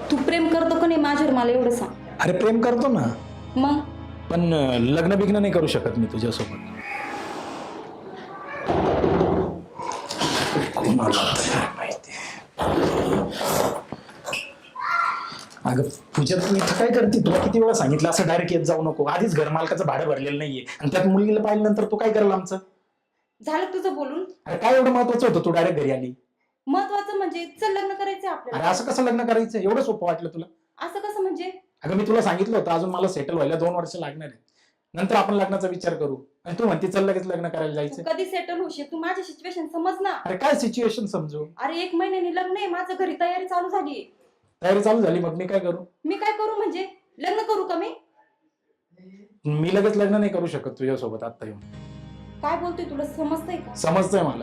तू प्रेम करतो का नाही माझ्यावर मला एवढं सांग. अरे प्रेम करतो ना, मग पण लग्न बिग्न नाही करू शकत मी तुझ्यासोबत. कोणाला काय माहिती. अगं पूजा, तू इथं काय करते? तुला किती वेळा सांगितलं असं डायरेक्ट येत जाऊ नको. आधीच घर मालकाचं भाडं भरलेलं नाहीये आणि त्यात मुलगीला पाहिल्यानंतर तू काय करायला आमचं? झालं तुझं बोलून. अरे काय एवढं महत्वाचं होतं तू डायरेक्ट घरी आली? महत्वाचं म्हणजे चल लग्न करायचं अरे आपल्याला. असं कसं लग्न करायचं? एवढं सोपं वाटलं तुला? असं कसं म्हणजे? अगं मी तुला सांगितलं होतं अजून मला सेटल व्हायला 2 वर्ष लागणार आहे, नंतर आपण लग्नाचा विचार करू. आणि तू म्हणते चल लगेच लग्न करायला तू जायचं. कधी सेटल होशील? तू माझी सिच्युएशन समज ना. अरे काय सिच्युएशन समजू? अरे 1 महिन्याने लग्न आहे माझं, घरी तयारी चालू झाली. तयारी चालू झाली, मग मी काय करू? मी काय करू म्हणजे? लग्न करू का मी? मी लगेच लग्न नाही करू शकत तुझ्यासोबत आता येऊन. काय बोलतोय, तुला समजतंय का? समजतंय मला.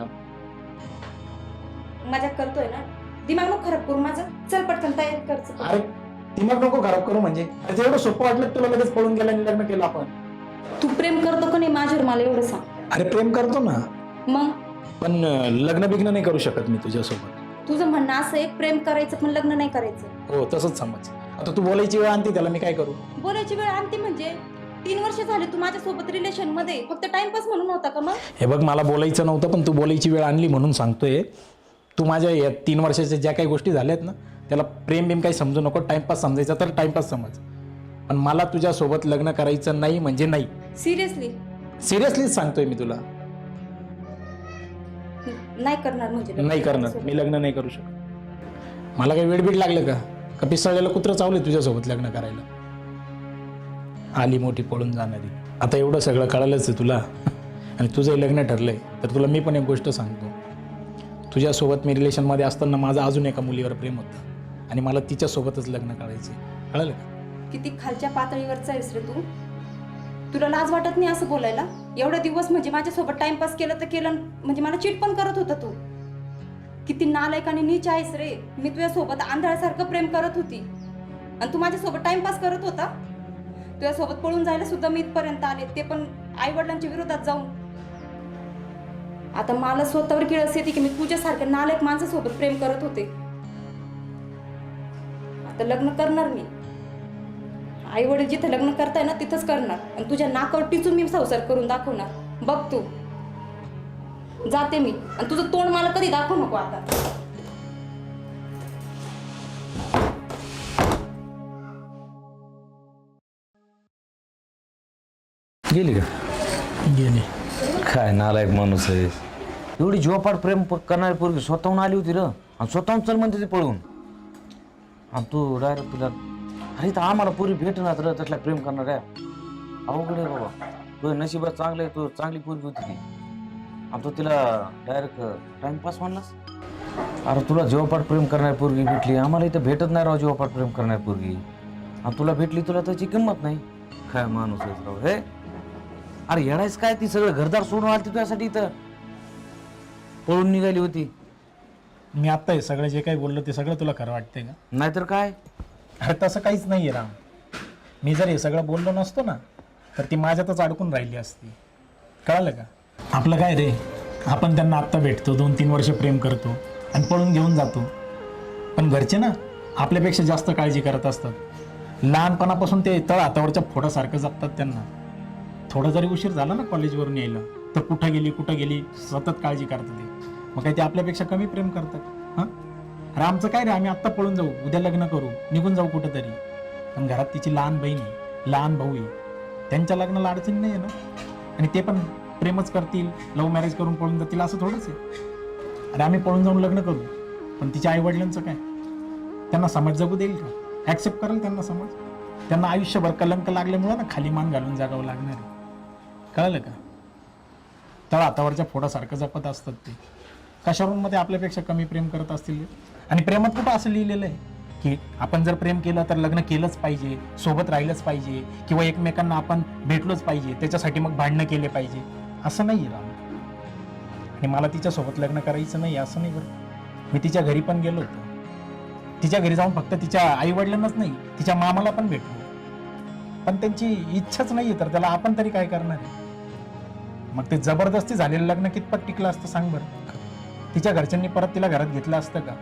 मजाक करतोय ना? दिमाग नको खराब करू माझं. चल पटकन तयारी कर. अरे दिमाग नको खराब करू म्हणजे? अरे एवढं सोपं वाटलं तुला लगेच पळून गेला आणि लग्न केलं आपण. तू प्रेम करतो का नाही माझ्यावर मला एवढं सांग. अरे प्रेम करतो ना, मग पण लग्न बिग्न नाही करू शकत मी तुझ्यासोबत. तुझं म्हणणं असं आहे प्रेम करायचं पण लग्न नाही करायचं. हो तसंच समज. आता तू बोलायची वेळ आणते त्याला मी काय करू? बोलायची वेळ आणते म्हणजे 3 वर्ष झाले तू माझ्यासोबत रिलेशन मध्ये, फक्त टाइमपास म्हणून होता का? मग हे बघ, मला बोलायचं नव्हतं पण तू बोलायची वेळ आणली म्हणून सांगतोय. तू माझ्या या 3 वर्षाच्या ज्या काही गोष्टी झाल्यात ना, त्याला प्रेम बिम काही समजू नको. टाइमपास समजायचा तर टाइमपास समज, पण मला तुझ्यासोबत लग्न करायचं नाही म्हणजे नाही. सिरियसली? सिरियसलीच सांगतोय मी तुला. नाही करणार म्हणजे? नाही करणार मी, लग्न नाही करू शकत. मला काही वेडबीड लागलं का पिसाळलेलं कुत्रं चावलंय तुझ्यासोबत लग्न करायला? आली मोठी पळून जाणारी. आता एवढं सगळं कळालंच आहे तुला आणि तुझं लग्न ठरलंय तर तुला मी पण एक गोष्ट सांगतो. तुझ्यासोबत मी रिलेशनमध्ये असताना माझं अजून एका मुलीवर प्रेम होतं आणि मला तिच्यासोबतच लग्न करायचं. कळलं का? किती खालच्या पातळीवरचा आहेस रे तू. तुला लाज वाटत नाही असं बोलायला? एवढे दिवस म्हणजे माझ्यासोबत टाइमपास केलं तर केलं, म्हणजे मला चीट पण करत होता तू. किती नालायक आणि नीच आहेस रे. मी तुझ्यासोबत आंधळ्यासारखं प्रेम करत होती आणि तू माझ्यासोबत टाइमपास करत होता. तुझ्यासोबत पळून जायला सुद्धा मी इथपर्यंत आले, ते पण आई वडिलांच्या विरोधात जाऊन. आता मला स्वतःवर किळस येते की मी तुझ्यासारख्या नालायक माणसासोबत प्रेम करत होते. आता लग्न करणार मी. आई वडील जिथे लग्न करताय ना तिथंच करणार आणि तुझ्या नाकावर टिचून मी संसार करून दाखवणार. बघ तू. जाते मी आणि तुझं तोंड मला कधी दाखवू नको आता. गेली का? गेली. काय नालायक माणूस आहे. एवढी जीवापाड प्रेम करणारी पोरगी स्वतःहून आली होती र, आणि स्वतःहून चल म्हणते ती पळून. आणि तू डायरेक्ट तिला, अरे तर आम्हाला पोरी भेटणार र तसला प्रेम करणार आहे. अवघड आहे बाबा. तुझ्या नशिबात चांगलं आहे, तू चांगली पोरगी होती ती आणि तू तिला डायरेक्ट टाइमपास म्हणलास. अरे तुला जीवापाड प्रेम करणारी पोरगी भेटली, आम्हाला इथं भेटत नाही राव जीवापाड प्रेम करणारी पोरगी. आणि तुला भेटली, तुला त्याची किंमत नाही. काय माणूस आहे राव हे. अरे येणारच काय, ती सगळं घरदार सोडून आली तुझ्यासाठी, इथं पळून निघाली होती. मी आत्ता हे सगळं जे काही बोललो ते सगळं तुला खरं वाटतंय का? नाहीतर काय. अरे तसं काहीच नाही आहे राम. मी जर हे सगळं बोललो नसतो ना तर ती माझ्यातच अडकून राहिली असती. कळलं का? आपलं काय रे, आपण त्यांना आत्ता भेटतो, 2-3 वर्ष प्रेम करतो आणि पळून घेऊन जातो. पण घरचे ना आपल्यापेक्षा जास्त काळजी करत असतात. लहानपणापासून ते तळ हातावरच्या फोडासारखं जपतात त्यांना. थोडा जरी उशीर झाला ना कॉलेजवरून यायला तर कुठं गेली सतत काळजी करतात ते. मग काय ते आपल्यापेक्षा कमी प्रेम करतात? हां, अरे आमचं काय रे, आम्ही आत्ता पळून जाऊ, उद्या लग्न करू, निघून जाऊ कुठं तरी. पण घरात तिची लहान बहीण आहे, लहान भाऊ आहे, त्यांच्या लग्नाला अडचण नाही आहे ना. आणि ते पण प्रेमच करतील, लव्ह मॅरेज करून पळून जातील असं थोडंच आहे. अरे आम्ही पळून जाऊन लग्न करू, पण तिच्या आईवडिलांचं काय? त्यांना समाज जगू देईल का? ॲक्सेप्ट करेल त्यांना समाज? त्यांना आयुष्यभर कलंक लागल्यामुळं ना खाली मान घालून जागावं लागणार आहे. कळलं का? तळ हातावरच्या फोडासारखं जपत असतात ते. कशावरून मध्ये आपल्यापेक्षा कमी प्रेम करत असतील? आणि प्रेमात कुठं असं लिहिलेलं आहे की आपण जर प्रेम केलं तर लग्न केलंच पाहिजे, सोबत राहिलंच पाहिजे, किंवा एकमेकांना आपण भेटलोच पाहिजे, त्याच्यासाठी मग भांडणं केले पाहिजे? असं नाही राम. आणि मला तिच्यासोबत लग्न करायचं नाही असं नाही बरं. मी तिच्या घरी पण गेलो होतो. तिच्या घरी जाऊन फक्त तिच्या आईवडिलांनाच नाही, तिच्या मामाला पण भेटलो. पण त्यांची इच्छाच नाही तर त्याला आपण तरी काय करणार आहे? मग ते जबरदस्ती झालेलं लग्न कितपत टिकलं असतं सांग बरं? तिच्या घरच्यांनी परत तिला घरात घेतलं असतं का?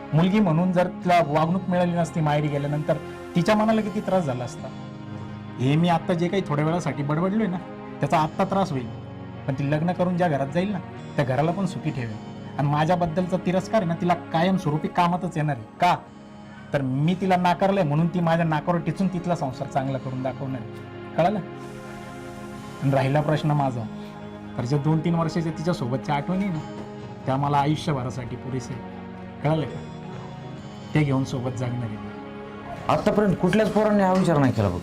मुलगी म्हणून जर तिला वागणूक मिळाली नसती माहेरी गेल्यानंतर तिच्या मनाला किती त्रास झाला असता. हे मी आत्ता जे काही थोड्या वेळासाठी बडबडलोय ना त्याचा आत्ता त्रास होईल, पण ती लग्न करून ज्या घरात जाईल ना त्या घराला पण सुखी ठेवेल. आणि माझ्याबद्दलचा तिरस्कार आहे ना तिला कायमस्वरूपी कामातच येणार आहे. का तर मी तिला नाकारलंय म्हणून ती माझ्या नाकावर टिचून तिथला संसार चांगला करून दाखवणार आहे. कळालं? आणि राहिला प्रश्न माझा, तर ज्या 2-3 वर्षाच्या तिच्या सोबतच्या आठवणी ना त्या मला आयुष्यभरासाठी पुरेसे आहे. कळालं का? ते घेऊन सोबत जगणार आहे. आतापर्यंत कुठल्याच पोरांनी हा विचार नाही केला बघ.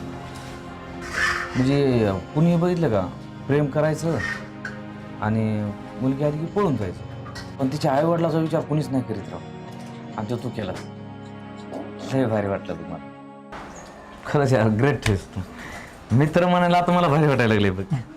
म्हणजे कुणी बघितलं का प्रेम करायचं आणि मुलगी आली की पळून जायचं, पण तिच्या आईवडिलाचा विचार कुणीच नाही करीत राव. आणि तो तू केला. लय भारी वाटलं तुम्हाला खरंच यार, ग्रेट टेस्ट. मित्र म्हणायला आता मला भारी वाटायला लागले बघ.